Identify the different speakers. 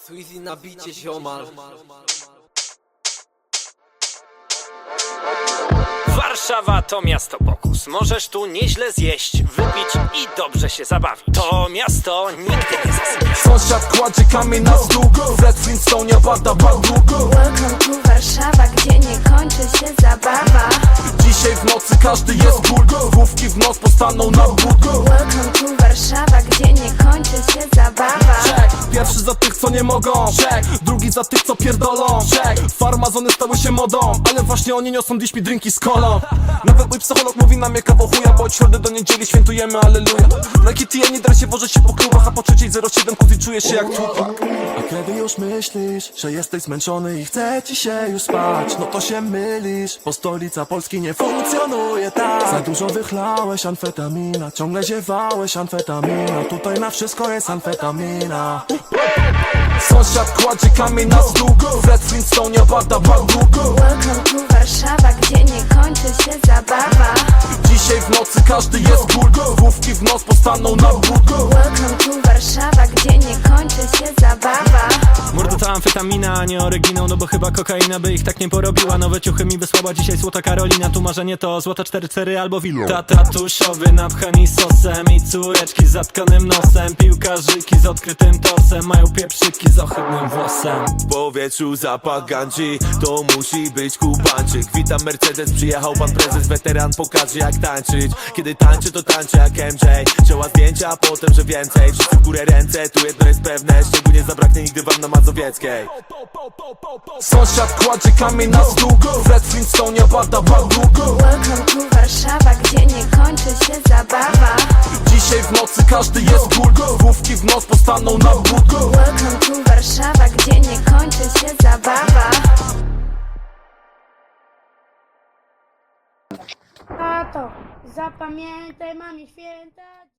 Speaker 1: Sweezy na bicie ziomal.
Speaker 2: Warszawa to miasto pokus. Możesz tu nieźle zjeść, wypić i dobrze się zabawić. To miasto nigdy nie zasypia.
Speaker 3: Sąsiad kładzie kamień na stół, Fred Flintstone bada badu.
Speaker 4: Welcome to Warszawa, gdzie nie kończy się zabawa.
Speaker 3: Dzisiaj w nocy każdy jest cool, główki w nos postaną na but.
Speaker 4: Welcome to Warszawa, gdzie nie kończy się zabawa.
Speaker 3: Check. Pierwszy za tych co nie mogą, check. Drugi za tych co pierdolą, check. Farmazony stały się modą, ale właśnie oni niosą dziś mi drinki z kolą. Nawet mój psycholog mówi nam je kawał chuja, bo od środy do niedzieli świętujemy alleluja. Na kitty ja nie dra się wożę się po klubach, a po 3:07 kuzi czujesz się jak Tupac. A kiedy już myślisz, że jesteś zmęczony i chce ci się już spać, no to się mylisz, bo stolica Polski nie funkcjonuje tak. Za dużo wychlałeś amfetamina, ciągle ziewałeś amfetamina. Tutaj na wszystko jest amfetamina. Sąsiad kładzie kamień na stół, Fred Flintstone bada badu.
Speaker 4: Welcome to Warszawa, gdzie nie kończy się zabawa.
Speaker 3: Dzisiaj w nocy każdy jest cool, główki w nos postaną na but.
Speaker 4: Welcome to Warszawa, gdzie nie kończy się zabawa.
Speaker 2: Mordo to amfetamina, a nie oryginał, no bo chyba kokaina by ich tak nie porobiła. Nowe ciuchy mi wysłała dzisiaj złota Karolina. Tu marzenie to złota 4-4 albo wilo. Tata tuszowy napchani sosem i córeczki z zatkanym nosem. Piłkarzyki z odkrytym torsem, mają pieprzyki z ohydnym włosem.
Speaker 5: W powietrzu zapach gandzi, to musi być Kubańczyk. Witam Mercedes, przyjechał pan prezes, weteran pokaże jak tańczyć. Kiedy tańczy to tańczy jak MJ, wzięła zdjęcia, a potem że więcej. Wszyscy w górę ręce, tu jedno jest pewne, szczególnie nie zabraknie nigdy wam na Mazowieckiej.
Speaker 3: Sąsiad kładzie kamień na stół, Fred Flintstone bada badu.
Speaker 4: Welcome to Warszawa, gdzie nie kończy się zabawa.
Speaker 3: Dzisiaj w nocy każdy jest cool, główki w nos postaną na but.
Speaker 4: Welcome to Warszawa, gdzie nie kończy się zabawa.
Speaker 6: Tato, zapamiętaj, mamie święta.